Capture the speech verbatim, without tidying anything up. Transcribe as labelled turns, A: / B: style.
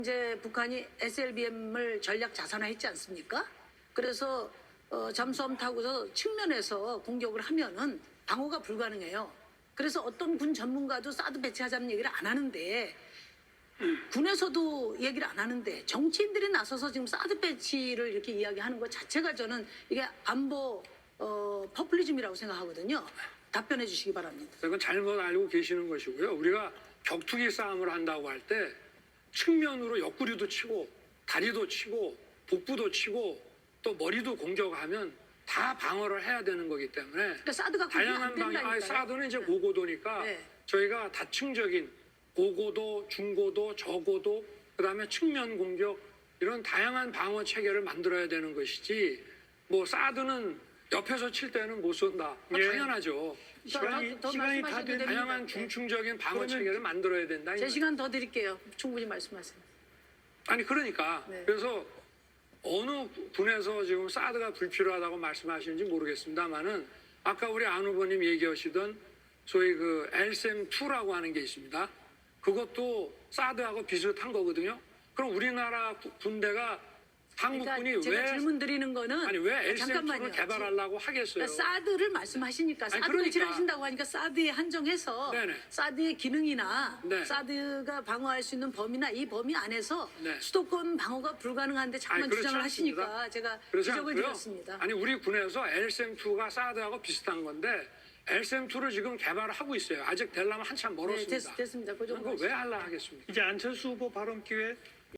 A: 이제 북한이 에스엘비엠을 전략 자산화했지 않습니까? 그래서 어, 잠수함 타고서 측면에서 공격을 하면은 방어가 불가능해요. 그래서 어떤 군 전문가도 사드 배치하자는 얘기를 안 하는데 군에서도 얘기를 안 하는데 정치인들이 나서서 지금 사드 배치를 이렇게 이야기하는 것 자체가 저는 이게 안보 어, 퍼플리즘이라고 생각하거든요. 답변해 주시기 바랍니다.
B: 그건 잘못 알고 계시는 것이고요. 우리가 격투기 싸움을 한다고 할 때 측면으로 옆구리도 치고 다리도 치고 복부도 치고 또 머리도 공격하면 다 방어를 해야 되는 거기 때문에
A: 그러니까 사드가
B: 다양한 방향. 아니, 사드는 이제 고고도니까
A: 네.
B: 저희가 다층적인 고고도, 중고도, 저고도, 그다음에 측면 공격 이런 다양한 방어 체계를 만들어야 되는 것이지 뭐 사드는 옆에서 칠 때는 못 쏜다.
C: 예.
B: 당연하죠.
A: 시간이, 더, 더
C: 시간이 다
A: 말씀하셔도
C: 된
A: 됩니다.
B: 다양한 중충적인 방어
C: 그러면
B: 체계를 만들어야 된다. 이
A: 제
B: 말이에요.
A: 시간 더 드릴게요. 충분히 말씀하세요.
B: 아니 그러니까
A: 네.
B: 그래서 어느 분에서 지금 사드가 불필요하다고 말씀하시는지 모르겠습니다만은 아까 우리 안 후보님 얘기하시던 소위 그 엘셈 투라고 하는 게 있습니다. 그것도 사드하고 비슷한 거거든요. 그럼 우리나라 구- 군대가 한국군이
A: 그러니까 제가
B: 왜
A: 질문 드리는 거는
B: 아니 왜 엘셈 투를
A: 잠깐만요.
B: 개발하려고 하겠어요?
A: 그러니까 사드를 말씀하시니까
B: 아니,
A: 사드
B: 그러니까.
A: 배치를 하신다고 하니까 사드에 한정해서
B: 네네.
A: 사드의 기능이나
B: 네.
A: 사드가 방어할 수 있는 범위나 이 범위 안에서
B: 네.
A: 수도권 방어가 불가능한데 자꾸만
B: 아니, 그렇지
A: 주장을
B: 않습니다.
A: 하시니까 제가
B: 그렇지
A: 지적을
B: 않고요.
A: 드렸습니다.
B: 아니 우리 군에서 엘셈 투가 사드하고 비슷한 건데 엘셈 투를 지금 개발을 하고 있어요. 아직 되려면 한참
A: 네,
B: 멀었습니다.
A: 됐, 됐습니다. 그 정도
B: 그거 왜 하려 하겠습니까?
C: 이제 안철수 후보 발언 기회